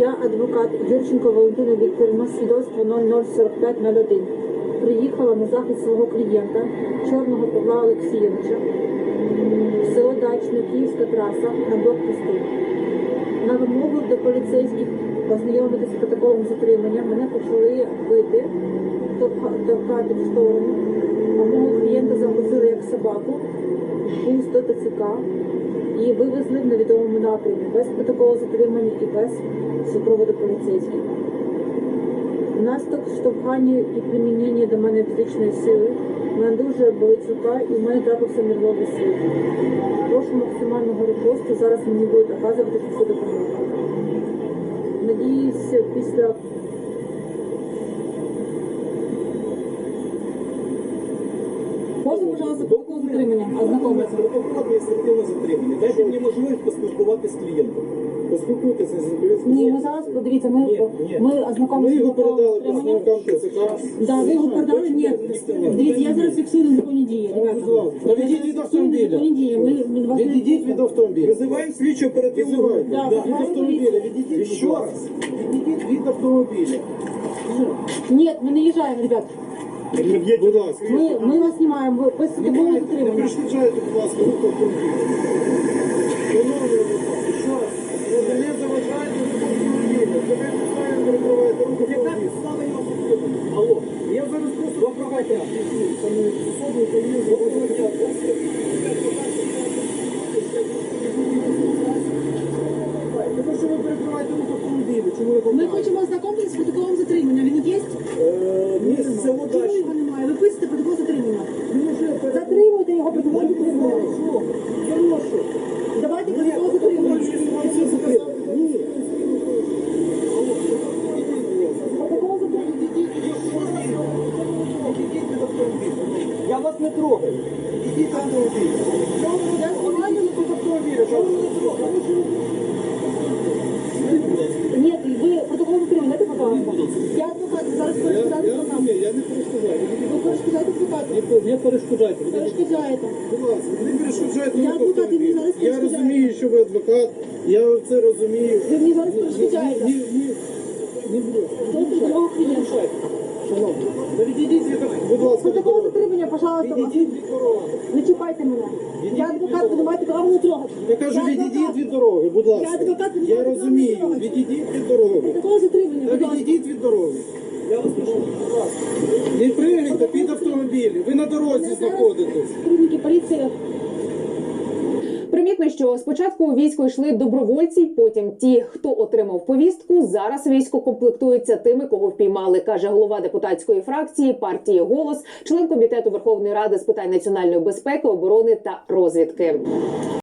Я адвокат Юрченко Валентина Вікторівна, свідоцтво 004501. Приїхала на захист свого клієнта, Чорного Павла Олексійовича, в село Дачне, Київська траса, на блокпосту. На вимогу до поліцейських ознайомитися з протоколом затримання мене почали бити, товкати в сторону, а мого клієнта загрузили як собаку, пусть до ТЦК і вивезли в невідомому напрямі, без протоколу затримання і без супроводу поліцейських. Внаслідок штовхання і примінення до мене фізичної сили в мене дуже болить рука і в мене трапився нервовий слід. Прошу максимального репосту, зараз мені будуть оказувати всю допомогу. Надіюсь, після... Можна, пожалуйста, протокол затримання, ознакомитися? Протокол адміністративне затримання. Дайте мені можливість поспілкуватися з клієнтом. Поспілкуйтеся з клієнтом. Ні, ми зараз, подивіться, ми ознакомимося. Ми його передали представникам ТЦК. Да, ви його передали? Ні. Дивіться, я зараз фіксую незаконні дії, ребята. Відійдіть від автомобіля. Відійдіть від автомобіля. Визиваємо слідчу оперативну. Від автомобіля. Відійдіть. Ще раз. Відійдіть від автомобіля. Ні, ми не їжджаємо, ребят. Будь ласка. Ми вас знімаємо, ви протокол Не затримання. перешкоджайте, будь ласка, рух автомобіля. Шановний адвокат, ще раз. Ви не заважаєте рух автомобіля. Ви неправильно перекриваєте рух автомобіля. Яка підстава його зупинити? Алло, я зараз просто виправляйте. Тому що ви перекриваєте рух автомобіля. Чому ви Ми хочемо ознакомитися з протоколом затримання. Він є? місце село Чому Дачне. його немає? Ви пишете протокол затримання. Затримуйте його протокол затримання. Хорошо. Давайте протокол затримання. Ні. Протокол затримання. Я вас не трогаю. Ідіть до автомобіля. Я знімаю на Автомобіля, що ви не трогаєте? Ні, ви протокол затримання, дайте, пожалуйста. Я адвокат, зараз перешкоджаю адвокатам. Я не перешкоджаю. Ви перешкоджаєте адвокату. Не перешкоджайте. Перешкоджаєте. Будь ласка, не перешкоджайте. Я адвокат, і мені зараз Я перешкоджаєте. розумію, що ви адвокат. Я це розумію. Ви мені зараз перешкоджаєте. Не буду. Дайте дорогу клієнту. Шановні, відійдіть від будь ласка, від Протокол дороги. затримання, пожалуйста. Відійдіть від дороги. Не чіпайте мене. Я адвокат, ви не маєте права мене трогати. Я кажу, відійдіть від дороги, будь ласка. Я адвокат, ви не Я маєте права розумію, мене трогати. відійдіть від дороги. Протокол затримання, Та будь ласка. відійдіть від дороги. Я вас прошу, будь ласка. Не пригайте під автомобілі, ви на дорозі знаходитесь. Сотрудники поліції. Примітно, що спочатку у військо йшли добровольці, потім ті, хто отримав повістку. Зараз військо комплектується тими, кого впіймали, каже голова депутатської фракції партії «Голос», член комітету Верховної Ради з питань національної безпеки, оборони та розвідки.